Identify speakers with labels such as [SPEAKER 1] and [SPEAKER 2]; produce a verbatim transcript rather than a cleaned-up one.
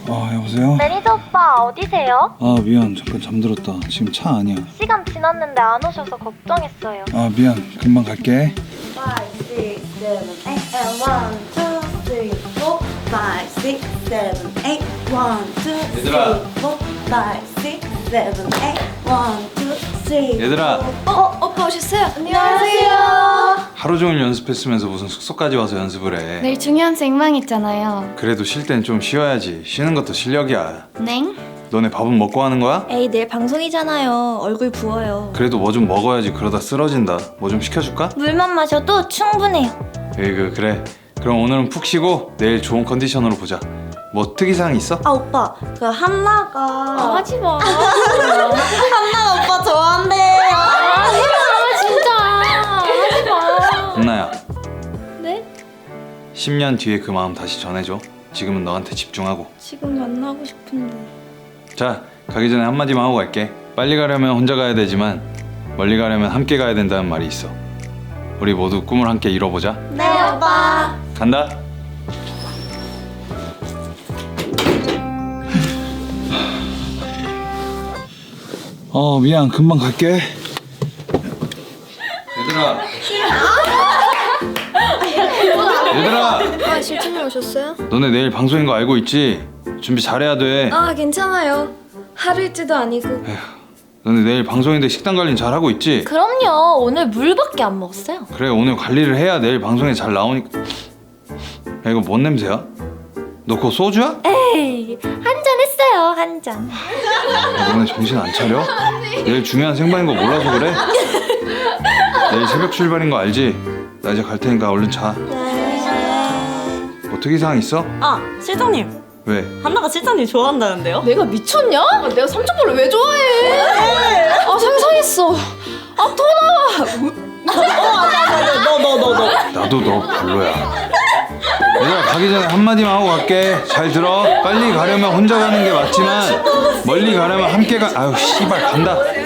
[SPEAKER 1] 아 여보세요?
[SPEAKER 2] 매니저 오빠 어디세요?
[SPEAKER 1] 아 미안 잠깐 잠들었다. 지금 차 아니야.
[SPEAKER 2] 시간 지났는데 안 오셔서 걱정했어요.
[SPEAKER 1] 아 미안 금방 갈게.
[SPEAKER 3] five, six, seven, eight, and one, two, three, four, five, six, seven, eight, one, two,
[SPEAKER 1] 얘들아.
[SPEAKER 3] three, four, five, six, seven, eight, one, two, three.
[SPEAKER 1] 얘들아
[SPEAKER 3] 어, 오빠 오셨어요? 안녕하세요.
[SPEAKER 1] 하루 종일 연습했으면서 무슨 숙소까지 와서 연습을 해.
[SPEAKER 4] 내일 중요한 생방 있잖아요.
[SPEAKER 1] 그래도 쉴 땐 좀 쉬어야지. 쉬는 것도 실력이야.
[SPEAKER 4] 냉?
[SPEAKER 1] 너네 밥은 먹고 하는 거야?
[SPEAKER 3] 에이, 내일 방송이잖아요. 얼굴 부어요.
[SPEAKER 1] 그래도 뭐 좀 먹어야지. 그러다 쓰러진다. 뭐 좀 시켜줄까?
[SPEAKER 3] 물만 마셔도 충분해요.
[SPEAKER 1] 에이그 그래. 그럼 오늘은 푹 쉬고 내일 좋은 컨디션으로 보자. 뭐 특이사항 있어?
[SPEAKER 3] 아, 오빠, 그 한나가
[SPEAKER 4] 아, 하지 마.
[SPEAKER 3] 한나가 오빠 좋아한대요.
[SPEAKER 4] 하지 마, 진짜. 하지 마.
[SPEAKER 1] 은나야
[SPEAKER 4] 네?
[SPEAKER 1] 십 년 뒤에 그 마음 다시 전해줘. 지금은 너한테 집중하고.
[SPEAKER 3] 지금 만나고 싶은데.
[SPEAKER 1] 자 가기 전에 한마디만 하고 갈게. 빨리 가려면 혼자 가야 되지만 멀리 가려면 함께 가야 된다는 말이 있어. 우리 모두 꿈을 함께 이뤄보자.
[SPEAKER 3] 네, 오빠.
[SPEAKER 1] 간다. 어 미안 금방 갈게. 얘들아 얘들아
[SPEAKER 4] 아, 실장님 오셨어요?
[SPEAKER 1] 너네 내일 방송인 거 알고 있지? 준비 잘해야 돼.
[SPEAKER 4] 아, 괜찮아요. 하루 일지도 아니고.
[SPEAKER 1] 너네 내일 방송인데 식단 관리는 잘하고 있지?
[SPEAKER 4] 그럼요. 오늘 물밖에 안 먹었어요.
[SPEAKER 1] 그래 오늘 관리를 해야 내일 방송에 잘 나오니까. 야 이거 뭔 냄새야? 너 그거 소주야?
[SPEAKER 4] 에이, 한 잔 했어요. 한 잔.
[SPEAKER 1] 야, 너네 정신 안 차려? 내일 중요한 생방인 거 몰라서 그래? 내일 새벽 출발인 거 알지? 나 이제 갈 테니까 얼른 자. 뭐 특이사항 있어?
[SPEAKER 5] 아, 실장님.
[SPEAKER 1] 왜?
[SPEAKER 5] 한나가 실장님 좋아한다는데요?
[SPEAKER 4] 내가 미쳤냐? 아, 내가 삼촌볼을 왜 좋아해? 아, 상상했어. 아, 토 나와.
[SPEAKER 5] 너, 너, 너, 너.
[SPEAKER 1] 나도 너 별로야. 얘들아 가기 전에 한마디만 하고 갈게. 잘 들어. 빨리 가려면 혼자 가는 게 맞지만 멀리 가려면 함께 가. 아유 씨발 간다.